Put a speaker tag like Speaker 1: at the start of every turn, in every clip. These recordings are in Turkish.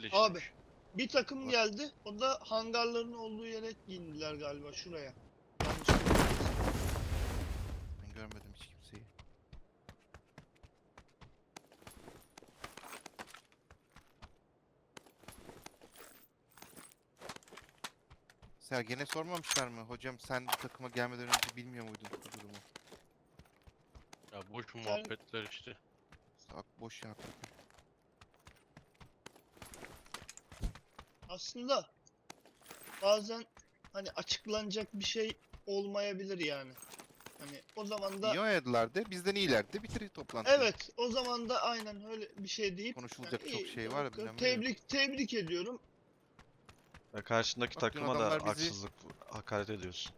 Speaker 1: Abi
Speaker 2: eleştirmiş.
Speaker 1: bir takım geldi. O da hangarların olduğu yere indiler galiba şuraya. Yanlış bilmiyorsam.
Speaker 3: Ben görmedim hiç kimseyi. Sergen'e sormamışlar mı? Hocam sen bu takıma gelmeden önce bilmiyor muydun bu durumu?
Speaker 2: Ya boş muhabbetler işte.
Speaker 3: Boş ya takım.
Speaker 1: Aslında bazen hani açıklanacak bir şey olmayabilir yani. Hani o zaman da
Speaker 3: İyi oynadılardı. Bizden iyilerdi. Bitir toplantıyı.
Speaker 1: evet, o zaman da aynen öyle bir şey deyip yani
Speaker 3: Konuşulacak çok
Speaker 1: iyi,
Speaker 3: şey var. Bilmem ne yok.
Speaker 1: tebrik ediyorum.
Speaker 4: Ve karşındaki
Speaker 3: Bak dün
Speaker 4: takıma da
Speaker 3: adamlar bizi...
Speaker 4: haksızlık, hakaret ediyorsun.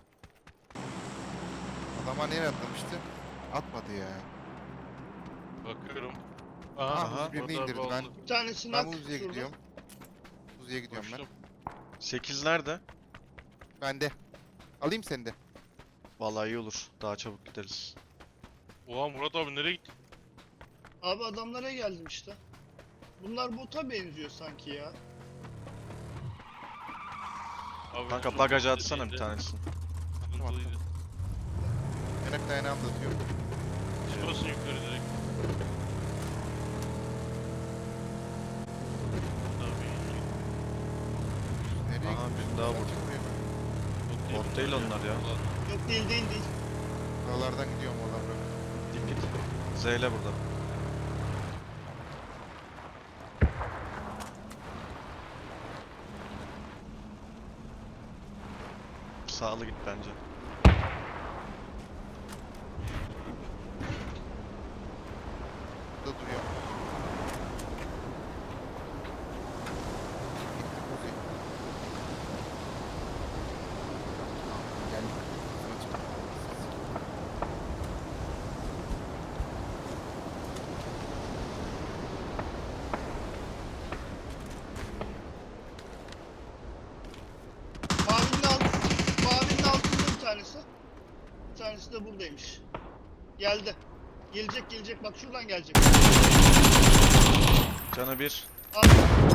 Speaker 3: Adama nereye atlamıştı? Atmadı ya.
Speaker 2: Bakıyorum.
Speaker 3: Aha,
Speaker 4: Aha.
Speaker 3: birini
Speaker 2: burada
Speaker 3: indirdi.
Speaker 2: oldu.
Speaker 1: Bir tanesi
Speaker 3: Ben
Speaker 1: nak
Speaker 3: Uzi'ye
Speaker 1: şurada.
Speaker 3: gidiyorum. Uzi'ye gidiyorum ben.
Speaker 2: Koştum.
Speaker 4: 8 nerede?
Speaker 3: Ben de. Alayım seni de.
Speaker 4: Vallahi iyi olur. Daha çabuk gideriz.
Speaker 2: Oha Murat abi nereye gitti?
Speaker 1: Abi adamlara geldim işte. Bunlar bota benziyor sanki ya.
Speaker 2: Abi
Speaker 4: Kanka
Speaker 2: çok
Speaker 4: bagajı
Speaker 2: sıkıntı
Speaker 4: atsana bir
Speaker 2: değildi.
Speaker 4: tanesini.
Speaker 2: Sıkıntılıydı.
Speaker 3: Yanak dayanağımı da atıyorum.
Speaker 2: Çıkmasın yukarı direkt. Tabii.
Speaker 3: Nereye
Speaker 4: Aha,
Speaker 3: gidiyorsun?
Speaker 4: bir daha
Speaker 3: Sen
Speaker 4: vurdu.
Speaker 3: çıkmıyor.
Speaker 4: Bot değil onlar ya.
Speaker 1: Yok, değil.
Speaker 3: Buralardan gidiyorum oradan bırak.
Speaker 4: Dik git. Zeyle burada. Sağlı git bence.
Speaker 3: Burada duruyor. Gittim Uzi. Geldik. Sana çık.
Speaker 1: Mavinin altında bir tanesi. Bir tanesi de buradaymış. Geldi. Gelecek bak şuradan gelecek.
Speaker 4: Canı bir.
Speaker 1: Abi.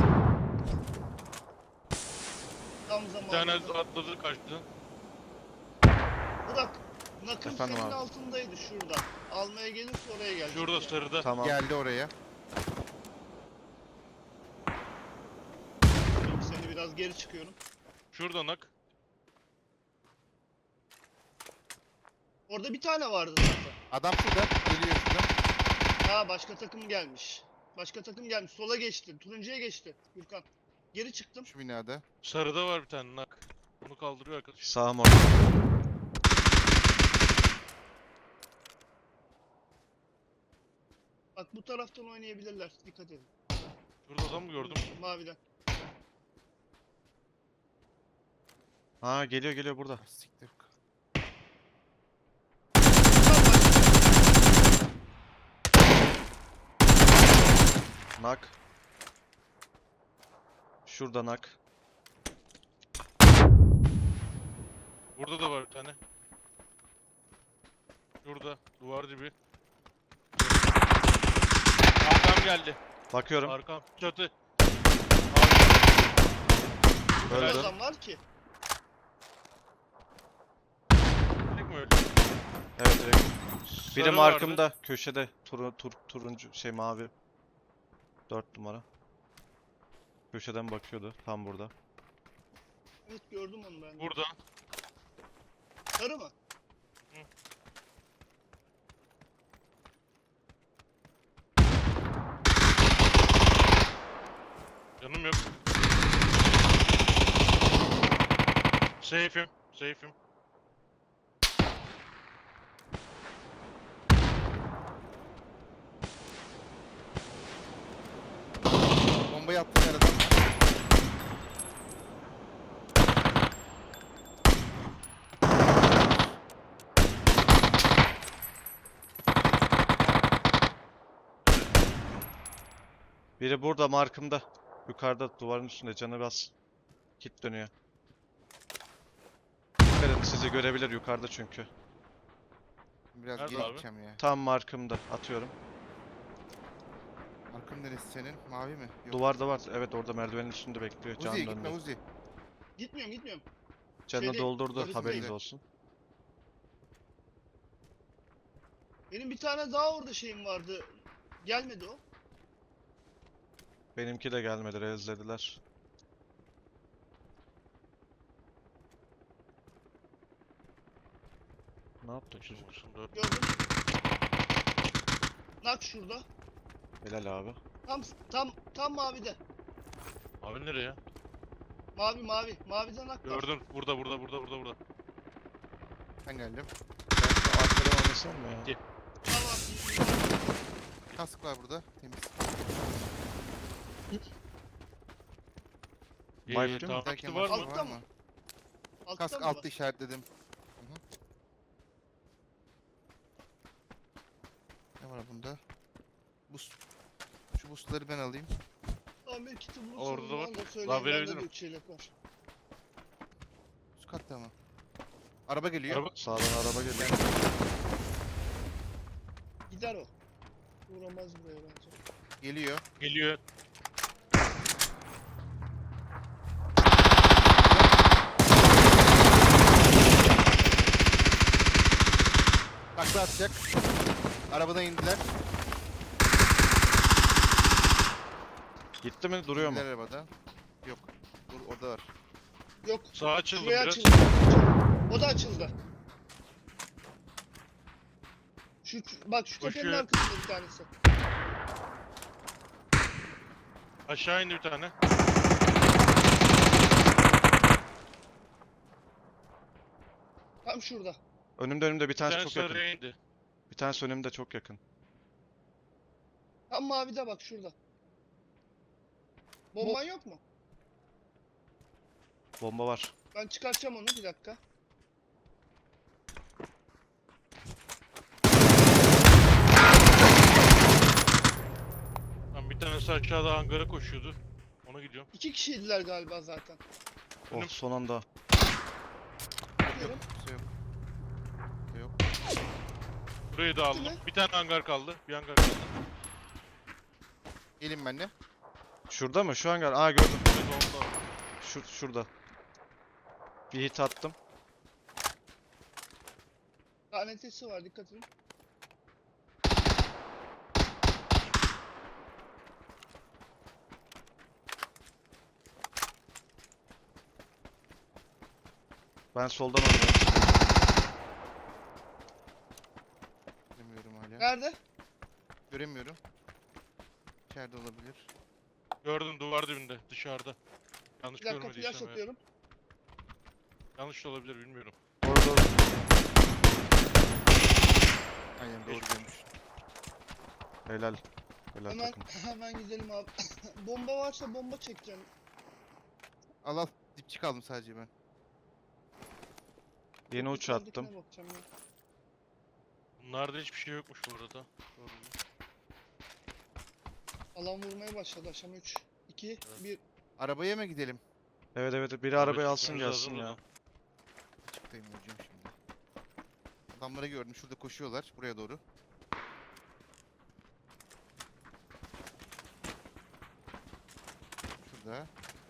Speaker 1: Tam
Speaker 2: Bir tane
Speaker 1: zamanında.
Speaker 2: atladı kaçtı.
Speaker 1: Bırak. Nakım
Speaker 3: Efendim
Speaker 1: senin
Speaker 3: abi.
Speaker 1: altındaydı şurada. Almaya gelirse oraya gelecek.
Speaker 2: Şurada
Speaker 1: yani.
Speaker 2: sarıda.
Speaker 4: Tamam.
Speaker 3: Geldi oraya.
Speaker 1: Şimdi seni biraz geri çıkıyorum.
Speaker 2: Şurada nak.
Speaker 1: Orada bir tane vardı zaten.
Speaker 3: Adam şurada. Geliyor şuradan.
Speaker 1: Ha, başka takım gelmiş. Sola geçti. Turuncuya geçti. Gürkan. Geri çıktım.
Speaker 3: Şu binada.
Speaker 2: Sarıda var bir tane nak. Onu kaldırıyor arkadaş.
Speaker 4: Sağım orada.
Speaker 1: Bak bu taraftan oynayabilirler. Dikkat edin.
Speaker 2: Şurada adam mı gördüm?
Speaker 1: Maviden.
Speaker 4: Ha geliyor burada.
Speaker 3: Ah, siktir.
Speaker 4: Nak. Şurada nak.
Speaker 2: Burada da var bir tane. Şurada. Duvar dibi. Arkam geldi.
Speaker 4: Bakıyorum.
Speaker 2: Arkam. Çatı.
Speaker 1: Ne
Speaker 4: Öldü.
Speaker 1: adam var ki?
Speaker 2: Direkt mi öldü?
Speaker 4: Evet direkt. Biri
Speaker 2: Sarı
Speaker 4: markımda.
Speaker 2: vardı.
Speaker 4: Köşede. Turuncu şey mavi. 4 numara. Köşeden bakıyordu. Tam burada.
Speaker 1: Evet, gördüm onu ben.
Speaker 2: Burada.
Speaker 1: Sarı mı?
Speaker 2: Canım yok. Safe'im. Safe'im.
Speaker 3: Bombayı attım aradan.
Speaker 4: Biri burada markımda. Yukarıda duvarın üstünde canı bas. Kit dönüyor. Dikkat edin, sizi görebilir yukarıda çünkü.
Speaker 3: Biraz
Speaker 2: Nerede
Speaker 3: geri
Speaker 2: abi?
Speaker 3: gideceğim ya.
Speaker 4: Tam markımda atıyorum.
Speaker 3: Markın neresi senin? Mavi mi? Yok.
Speaker 4: Duvarda var. Evet orada merdivenin üstünde bekliyor. Can
Speaker 3: Uzi gitme
Speaker 4: döndü.
Speaker 3: Uzi.
Speaker 1: Gitmiyorum.
Speaker 4: Canını
Speaker 1: Şeyde,
Speaker 4: doldurdu.
Speaker 1: yarısındayım.
Speaker 4: Haberiniz olsun.
Speaker 1: Benim bir tane daha orada şeyim vardı. Gelmedi o.
Speaker 4: Benimki de gelmedi. Rezlediler. Ne yaptı çocuk?
Speaker 2: Olsun, dört.
Speaker 1: Gördüm. Nak şurada.
Speaker 4: Helal abi.
Speaker 1: Tam mavide.
Speaker 2: Abi nereye?
Speaker 1: Mavi. Mavide nak var.
Speaker 2: Gördüm. Burada.
Speaker 3: Ben geldim.
Speaker 4: Ben şu arkadan oynasam mı ya?
Speaker 2: Gel.
Speaker 1: Tamam.
Speaker 3: Kask var burada. Temiz.
Speaker 4: Vibe değil mi?
Speaker 2: Tamam,
Speaker 3: Derken
Speaker 2: var mı?
Speaker 3: başka
Speaker 1: Altta mı? Altta
Speaker 3: Kask
Speaker 1: mı
Speaker 3: altta
Speaker 1: var?
Speaker 3: işaretledim. Hı hı. Ne var bunda? Boost. Şu boostları ben alayım.
Speaker 1: Tamam bir kiti bulursanız
Speaker 2: Orada da var.
Speaker 1: bana da
Speaker 2: Daha
Speaker 1: söyleyin. Bende
Speaker 2: verebilirim.
Speaker 1: de 3 çeyrek var.
Speaker 3: Üst katta mı? Araba geliyor.
Speaker 2: Araba.
Speaker 4: Sağdan araba geliyor.
Speaker 1: Gider o. Uğramaz buraya bence.
Speaker 3: Geliyor.
Speaker 2: Geliyor.
Speaker 3: Takla atacak. Arabadan indiler.
Speaker 4: Gitti mi? Duruyor mu?
Speaker 3: İndiler arabadan. Yok. Dur orada var.
Speaker 1: Yok.
Speaker 2: Sağ açıldı
Speaker 1: Şuraya
Speaker 2: biraz.
Speaker 1: açıldı. O da açıldı. Bak şu tepenin
Speaker 2: Koşuyor.
Speaker 1: arkasında bir tanesi.
Speaker 2: Aşağı indi bir tane.
Speaker 1: Tam şurada.
Speaker 4: Önümde bir
Speaker 2: Bir
Speaker 4: tanesi
Speaker 2: tane
Speaker 4: çok yakın.
Speaker 2: sarıya indi.
Speaker 4: Bir tanesi önümde çok yakın.
Speaker 1: Tam mavide bak şurada. Bomban yok mu?
Speaker 4: Bomba var.
Speaker 1: Ben çıkartacağım onu bir dakika.
Speaker 2: Tam bir tanesi aşağıda hangara koşuyordu. Ona gidiyorum.
Speaker 1: 2 kişiydiler galiba zaten.
Speaker 4: Oh son anda.
Speaker 3: Yok.
Speaker 1: Bakıyorum.
Speaker 3: Kimse yok. Yok.
Speaker 2: Burayı da aldım.
Speaker 1: mi?
Speaker 2: Bir tane hangar kaldı. Bir hangar kaldı.
Speaker 3: Gelin benimle.
Speaker 4: Şurada mı? Şu hangar. Aa gördüm.
Speaker 2: Evet, onda.
Speaker 4: Şurada. Bir hit attım.
Speaker 1: KNT'si var dikkat edin.
Speaker 4: Ben soldan oynuyorum.
Speaker 3: Göremiyorum hala.
Speaker 1: Nerede?
Speaker 3: Göremiyorum. İçeride olabilir.
Speaker 2: Gördüm duvar dibinde dışarıda. Yanlış
Speaker 1: Bir dakika
Speaker 2: görmediysem
Speaker 1: flash
Speaker 2: eğer.
Speaker 1: atıyorum.
Speaker 2: Yanlış da olabilir bilmiyorum.
Speaker 4: Orada.
Speaker 3: Aynen doğru
Speaker 2: Geçmiş.
Speaker 3: görmüş.
Speaker 4: Helal. Helal
Speaker 1: Hemen
Speaker 4: takım.
Speaker 1: hemen gidelim abi. Bomba varsa bomba çekeceğim.
Speaker 3: Al. Dipçik aldım sadece ben.
Speaker 4: Yeni uç
Speaker 1: Yukarıdakine
Speaker 4: attım.
Speaker 1: bakacağım ya.
Speaker 2: Bunlarda hiçbir şey yokmuş bu arada. Gördüm.
Speaker 1: Alan vurmaya başladı aşama 3. 2, 1.
Speaker 3: Arabaya mı gidelim?
Speaker 4: Evet biri arabayı
Speaker 2: Evet,
Speaker 4: alsın
Speaker 2: çıkmamız
Speaker 4: gelsin
Speaker 2: lazım
Speaker 4: ya.
Speaker 2: da.
Speaker 3: Açıktayım hocam şimdi. Adamları gördüm. Şurada koşuyorlar. Buraya doğru. Şurada.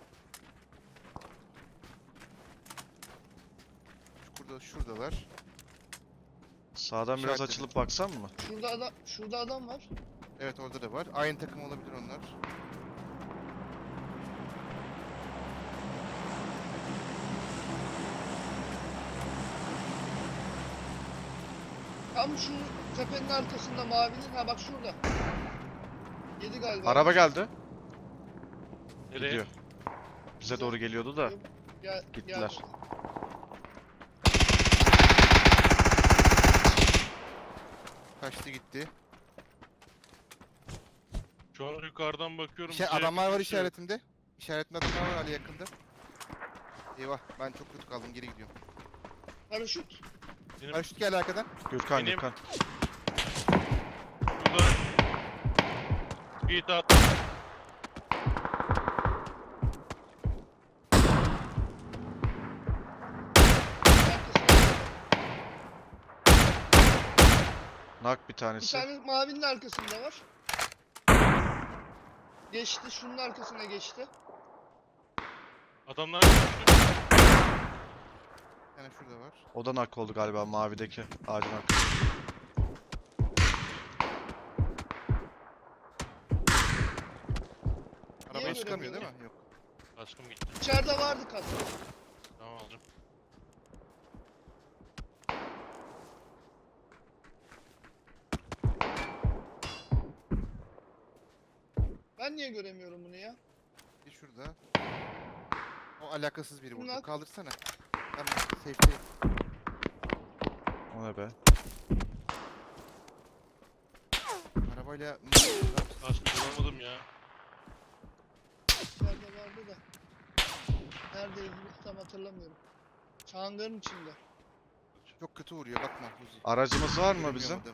Speaker 3: Şuradalar.
Speaker 4: Sağdan biraz
Speaker 3: İşaretledim.
Speaker 4: açılıp baksam mı?
Speaker 1: Şurada adam var.
Speaker 3: Evet orada da var. Aynı takım olabilir onlar.
Speaker 1: Tam şu tepenin arkasında mavinin. Ha bak şurada. Yedi galiba.
Speaker 4: Araba geldi.
Speaker 2: Nereye?
Speaker 4: Gidiyor. Bize doğru geliyordu da.
Speaker 1: Gel,
Speaker 4: Gittiler.
Speaker 1: Gel.
Speaker 3: Kaçtı gitti.
Speaker 2: Şu an yukarıdan bakıyorum.
Speaker 3: Adamlar var
Speaker 2: bir şey yok.
Speaker 3: işaretimde. İşaretimde adamlar var Ali yakında. Eyvah ben çok kötü kaldım geri gidiyorum.
Speaker 1: Paraşüt.
Speaker 2: Benim
Speaker 3: Paraşüt geldi arkadan.
Speaker 4: Gürkan
Speaker 2: Benim-
Speaker 4: Gürkan.
Speaker 2: burada bir hit attım.
Speaker 1: Arkasında.
Speaker 4: Nak bir
Speaker 1: Bir
Speaker 4: tanesi.
Speaker 1: tane mavinin arkasında var. Geçti, şunun arkasına geçti.
Speaker 2: Adamlar düştü.
Speaker 3: Bir tane şurada var.
Speaker 4: O da nak oldu galiba mavideki ağacın arkası.
Speaker 3: Arabaya
Speaker 1: Niye
Speaker 3: çıkamıyor değil
Speaker 1: göremiyorum?
Speaker 3: mi? Yok.
Speaker 2: Kaskım gitti.
Speaker 1: İçeride vardı kask.
Speaker 2: Tamam alacağım.
Speaker 1: Ben niye göremiyorum bunu ya?
Speaker 3: Bir şurada. O alakasız biri vurdu.
Speaker 1: Bunlar-
Speaker 3: Kaldırsana. Tamam. Safety.
Speaker 4: O ne be?
Speaker 3: Arabayla...
Speaker 2: Kaskı bulamadım ya.
Speaker 1: İçeride vardı da. Neredeydi tam hatırlamıyorum. Çangarın içinde.
Speaker 3: Çok kötü vuruyor bakma Uzi.
Speaker 4: Aracımız var mı
Speaker 3: Göremiyorum
Speaker 4: bizim?
Speaker 3: adamı.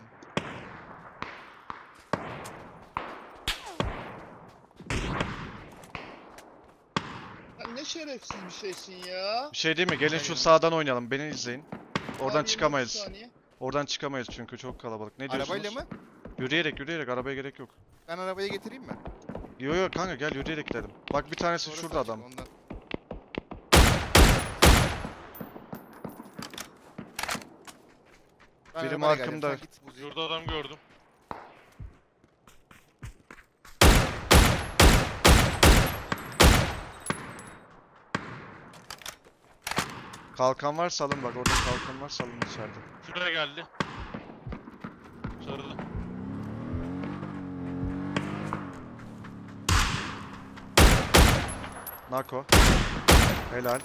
Speaker 1: Sen ne şerefsiz bir şeysin ya.
Speaker 4: Bir şey değil mi? Gelin
Speaker 3: Hayır.
Speaker 4: şu sağdan oynayalım. Beni izleyin. Oradan
Speaker 1: Abi, 29
Speaker 4: çıkamayız.
Speaker 1: saniye.
Speaker 4: Oradan çıkamayız çünkü çok kalabalık. Ne diyorsunuz?
Speaker 3: Arabayla mı?
Speaker 4: Yürüyerek arabaya gerek yok.
Speaker 3: Ben arabaya getireyim mi?
Speaker 4: Yo yo kanka gel yürüyerek gidelim. Bak bir tanesi
Speaker 3: Sonra
Speaker 4: şurada
Speaker 3: sen
Speaker 4: adam.
Speaker 3: çık ondan. Ben
Speaker 4: Biri
Speaker 3: arabayla geleceğim,
Speaker 4: markımda.
Speaker 3: sen git Uzi.
Speaker 2: Şurada adam gördüm.
Speaker 4: Kalkan var salın bak orada kalkan var salın içeride.
Speaker 2: Şuraya geldi. Sarılı.
Speaker 4: Nako. Helal.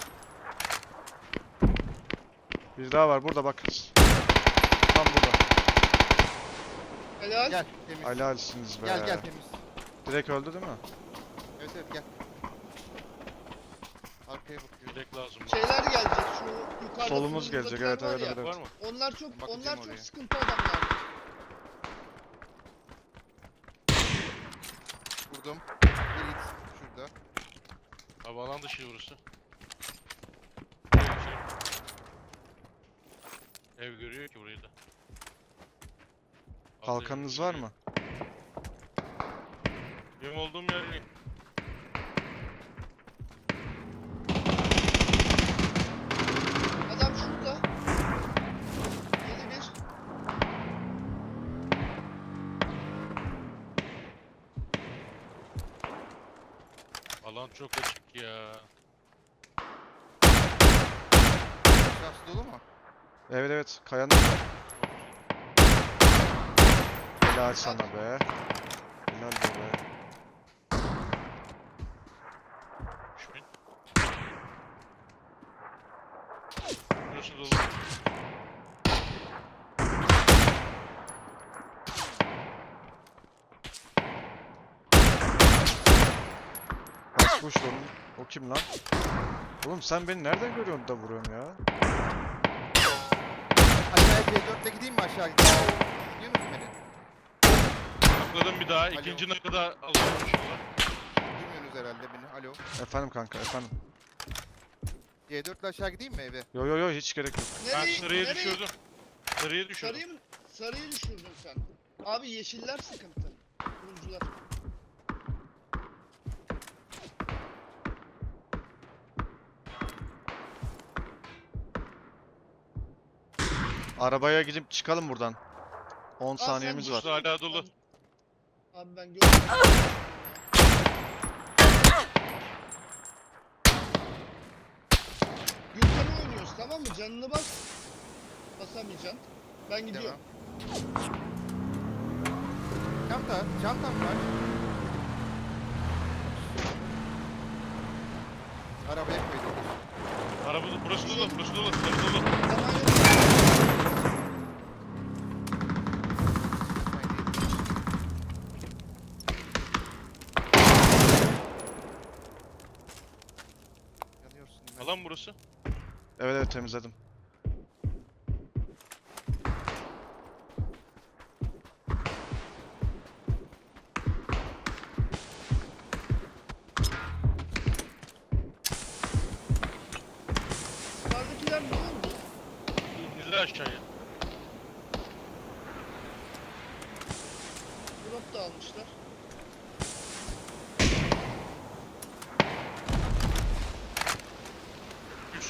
Speaker 4: Bir daha var burada bak. Tam burada.
Speaker 1: Helal.
Speaker 3: Gel temiz.
Speaker 4: Helalsiniz be.
Speaker 3: Gel gel temiz.
Speaker 4: Direkt öldü değil mi?
Speaker 3: Evet evet gel. Arkaya bakıyorum.
Speaker 2: Yedek lazım.
Speaker 1: Şeyler gelecek şu yukarıda.
Speaker 4: Solumuz gelecek,
Speaker 1: fırındakiler
Speaker 4: evet,
Speaker 1: var
Speaker 4: evet,
Speaker 1: ya.
Speaker 4: evet.
Speaker 2: Var mı?
Speaker 1: Onlar çok
Speaker 3: Bakacağım
Speaker 1: çok
Speaker 3: oraya.
Speaker 1: sıkıntı adamlar.
Speaker 3: Vurdum. Bir git şurada.
Speaker 2: Abi alan dışı burası. Ev görüyor ki burayı da.
Speaker 4: Kalkanınız var mı?
Speaker 2: Benim olduğum yer
Speaker 1: Adam şurada. 7-1.
Speaker 2: alan çok açık ya.
Speaker 3: Şahsı dolu mu?
Speaker 4: Evet evet kayanın orada. Helal sana be. Helal be.
Speaker 2: 3000. Burası dolu.
Speaker 4: Kaçmış onun. O kim lan? Oğlum sen beni nereden görüyorsun da vuruyorsun ya?
Speaker 3: Aşağıya C4'le gideyim mi aşağı? Gidiyor musun beni?
Speaker 2: Atladım bir daha. İkinci nakı da alıyorum inşallah.
Speaker 3: Duymuyorsunuz herhalde beni. Alo.
Speaker 4: Efendim kanka efendim.
Speaker 3: C4'le aşağı gideyim mi eve?
Speaker 4: Yo yo yo hiç gerek yok.
Speaker 2: Ben
Speaker 1: Nereye,
Speaker 2: sarıya
Speaker 1: nereye?
Speaker 2: düşürdüm. Sarıya düşürdüm.
Speaker 1: Sarıyı düşürdün sen. Abi yeşiller sıkıntı. Turuncular.
Speaker 4: Arabaya gidip çıkalım buradan. 10
Speaker 1: sen
Speaker 4: saniyemiz var.
Speaker 2: Burası hala dolu.
Speaker 1: Abi ben gördüm. Yukarı oynuyoruz tamam mı? Canını bas. Basamayacaksın. Ben gidiyorum.
Speaker 3: Devam. Çantam var. Arabaya koydum.
Speaker 2: Araba burası dolu. Burası dolu. Burası dolu.
Speaker 1: Zaman yok.
Speaker 3: Yanıyorsun. ben.
Speaker 2: Alan burası.
Speaker 4: Evet evet temizledim.
Speaker 1: Yukarıdakiler ne oldu?
Speaker 2: İndiler aşağıya.
Speaker 1: Drop da almışlar.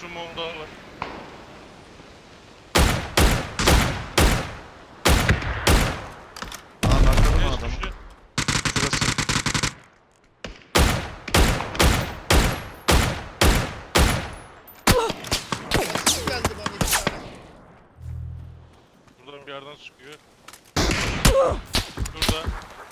Speaker 2: sumom daha var.
Speaker 4: Aa nakladın mı
Speaker 2: Neyse,
Speaker 4: adamı?
Speaker 2: şu-
Speaker 4: Şurası.
Speaker 1: Nasıl geldi bana 2 tane?
Speaker 2: Buradan bir yerden sıkıyor. Şurada.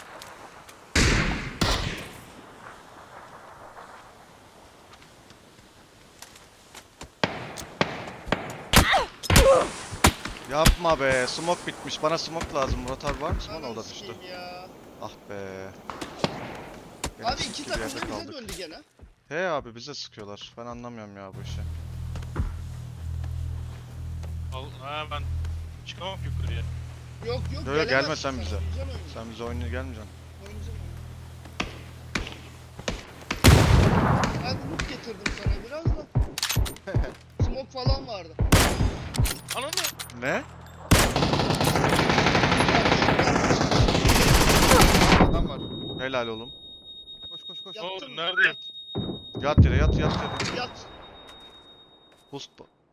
Speaker 4: Yapma be. Smoke bitmiş. Bana smoke lazım. Murat abi var mı? Smoke
Speaker 1: Ananı
Speaker 4: o da düştü.
Speaker 1: sikeyim ya.
Speaker 4: Ah be. Gene
Speaker 1: Abi
Speaker 4: sıkı
Speaker 1: iki
Speaker 4: bir
Speaker 1: takım
Speaker 4: yerde
Speaker 1: da bize
Speaker 4: kaldık.
Speaker 1: döndü gene.
Speaker 4: He abi bize sıkıyorlar. Ben anlamıyorum ya bu işi.
Speaker 2: Ben çıkamam ki yukarıya.
Speaker 1: Yok yok
Speaker 4: Yo, yo, gelme
Speaker 1: gelemezsin
Speaker 4: sen bize.
Speaker 1: oynayacaksın oyunu.
Speaker 4: Sen bize oynaya gelmeyeceksin.
Speaker 1: Oynayacaksın oyunu. Ben loot getirdim sana biraz da. Smoke falan vardı.
Speaker 2: Anladın mı?
Speaker 4: Ne?
Speaker 3: Adam var.
Speaker 4: Helal oğlum.
Speaker 3: Koş koş koş.
Speaker 2: oldu?
Speaker 1: Yattın mı?
Speaker 2: Nerede?
Speaker 4: Yat yere yat yat yere.
Speaker 1: Yat.
Speaker 4: Boost.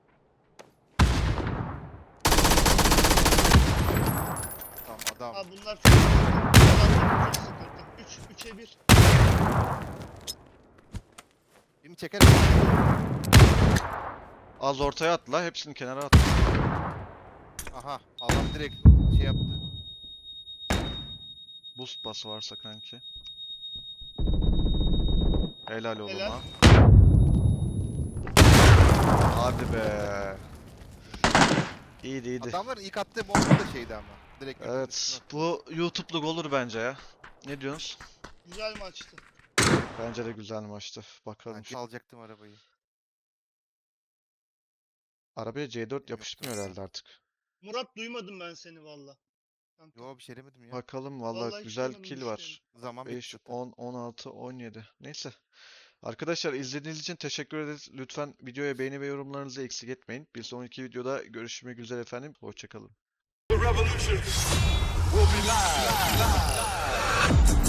Speaker 3: Tamam adam.
Speaker 1: Abi bunlar çok sıkıntı. Bunlar çok sıkıntı. 3'e 1.
Speaker 3: Birini çekerim.
Speaker 4: Az ortaya at la. Hepsini kenara at.
Speaker 3: Aha. Adam direkt şey yaptı.
Speaker 4: Boost bas varsa kanki. Helal oğlum
Speaker 1: Helal.
Speaker 4: ha. Hadi be. İyiydi iyiydi.
Speaker 3: Adamların ilk attığı bomba da şeydi ama. Direkt
Speaker 4: Evet.
Speaker 3: üstüne attı.
Speaker 4: Bu YouTube'luk olur bence ya. Ne diyorsunuz?
Speaker 1: Güzel maçtı.
Speaker 4: Bence de güzel maçtı. Bakalım.
Speaker 3: Ben çalacaktım arabayı.
Speaker 4: Arabaya C4 yapıştırmıyor herhalde artık.
Speaker 1: Murat duymadım ben seni valla. Kanka.
Speaker 3: Yo bir şey demedim ya.
Speaker 4: Bakalım
Speaker 1: Vallahi
Speaker 4: valla
Speaker 1: hiç
Speaker 4: güzel
Speaker 1: duymadım
Speaker 4: kill
Speaker 1: işte.
Speaker 4: var.
Speaker 3: Zaman
Speaker 4: 5,
Speaker 3: bitti.
Speaker 4: 10, 16, 17. Neyse. Arkadaşlar izlediğiniz için teşekkür ederiz. Lütfen videoya beğeni ve yorumlarınızı eksik etmeyin. Bir sonraki videoda görüşmek üzere efendim. Hoşçakalın.
Speaker 5: The revolution will be live.